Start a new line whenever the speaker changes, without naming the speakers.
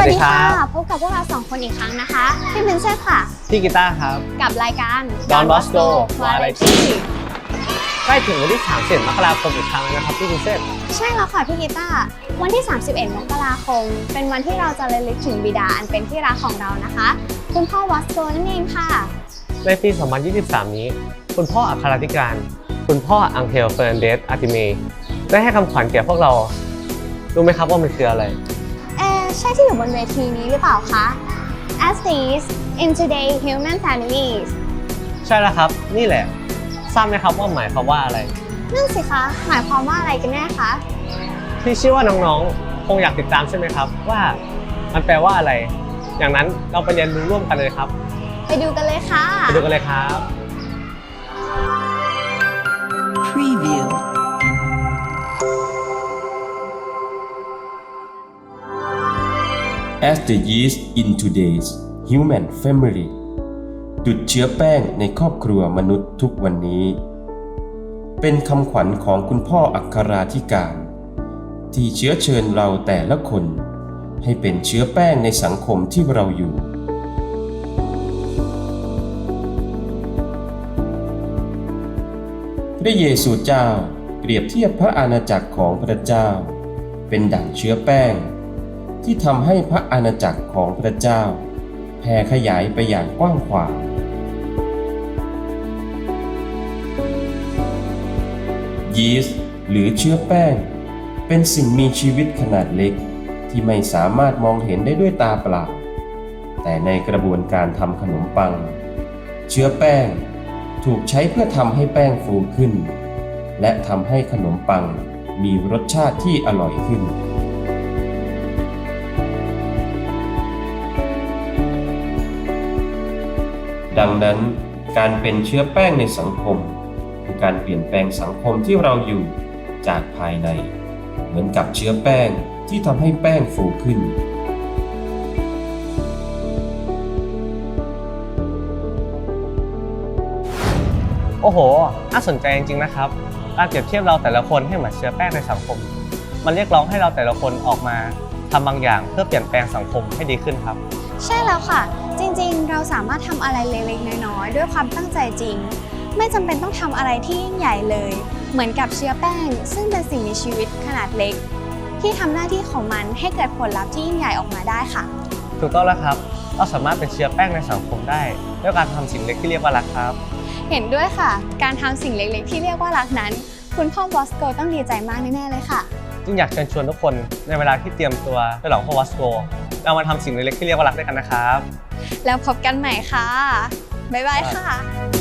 ดีค่ะ
พบกับพวกเรา2 คนอีกครั้งนะคะพี่เป็นเซฟค่ะ
พี่กีตาร์ครับ
กับรายการ
Don Bosco
Variety
ใกล้ถึงวันที่30 มกราคมอีกครั้งแล้วนะครับพี่พิเศษ
ใช่แล้วค่ะพี่กีตาร์วันที่31 มกราคมเป็นวันที่เราจะระลึกถึงบิดาอันเป็นที่รักของเรานะคะคุณพ่อวอสโกนั่นเองค่ะ
ในปี 2023 นี้คุณพ่ออัครธิการคุณพ่ออังเฮลเฟอร์นันเดสอาร์ติเมได้ให้คำขวัญแก่พวกเรารู้ไหมครับว่ามันคืออะไร
ใช่ที่อยู่บนเวทีนี้หรือเปล่าคะ As these in today human families
ใช่แล้วครับนี่แหละทราบไหมครับว่าหมายความว่าอะไร
นั่นสิคะหมายความว่าอะไรกันแน่คะ
ที่เชื่อว่าน้องๆคงอยากติดตามใช่ไหมครับว่ามันแปลว่าอะไรอย่างนั้นเราไปเรียนรู้ร่วมกันเลยครับ
ไปดูกันเลยค่ะ
ไปดูกันเลยครับ
Preview As the yeast into days human family ดุจเชื้อแป้งในครอบครัวมนุษย์ทุกวันนี้เป็นคำขวัญของคุณพ่ออัคราธิการที่เชื้อเชิญเราแต่ละคนให้เป็นเชื้อแป้งในสังคมที่เราอยู่พระเยซูเจ้าเปรียบเทียบพระอาณาจักรของพระเจ้าเป็นดั่งเชื้อแป้งที่ทำให้พระอาณาจักรของพระเจ้าแผ่ขยายไปอย่างกว้างขวางยีสต์หรือเชื้อแป้งเป็นสิ่งมีชีวิตขนาดเล็กที่ไม่สามารถมองเห็นได้ด้วยตาเปล่าแต่ในกระบวนการทำขนมปังเชื้อแป้งถูกใช้เพื่อทำให้แป้งฟูขึ้นและทำให้ขนมปังมีรสชาติที่อร่อยขึ้นดังนั้นการเป็นเชื้อแป้งในสังคมคือการเปลี่ยนแปลงสังคมที่เราอยู่จากภายในเหมือนกับเชื้อแป้งที่ทำให้แป้งฟูขึ้น
โอ้โหน่าสนใจจริงๆนะครับการเปรียบเทียบเราแต่ละคนให้เหมือนเชื้อแป้งในสังคมมันเรียกร้องให้เราแต่ละคนออกมาทำบางอย่างเพื่อเปลี่ยนแปลงสังคมให้ดีขึ้นครับ
ใช่แล้วค่ะจริงๆเราสามารถทำอะไรเล็กๆน้อยๆด้วยความตั้งใจจริงไม่จำเป็นต้องทำอะไรที่ยิ่งใหญ่เลยเหมือนกับเชื้อแป้งซึ่งเป็นสิ่งมีชีวิตขนาดเล็กที่ทำหน้าที่ของมันให้เกิดผลลัพธ์ที่ยิ่งใหญ่ออกมาได้ค่ะ
ถูกต้องแล้วครับเราสามารถเป็นเชื้อแป้งในสังคมได้ด้วยการทำสิ่งเล็กที่เรียกว่ารักครับ
เห็นด้วยค่ะการทำสิ่งเล็กๆที่เรียกว่ารักนั้นคุณพ่อบอสโกต้องดีใจมากแน่ๆเลยค่ะ
จึงอยากเชิญชวนทุกคนในเวลาที่เตรียมตัวไปหลองพ่อบอสโกเรามาทำสิ่งเล็กๆที่เรียกว่ารักด้วยกันนะครับ
แล้วพบกันใหม่ค่ะบ๊ายบายค่ะ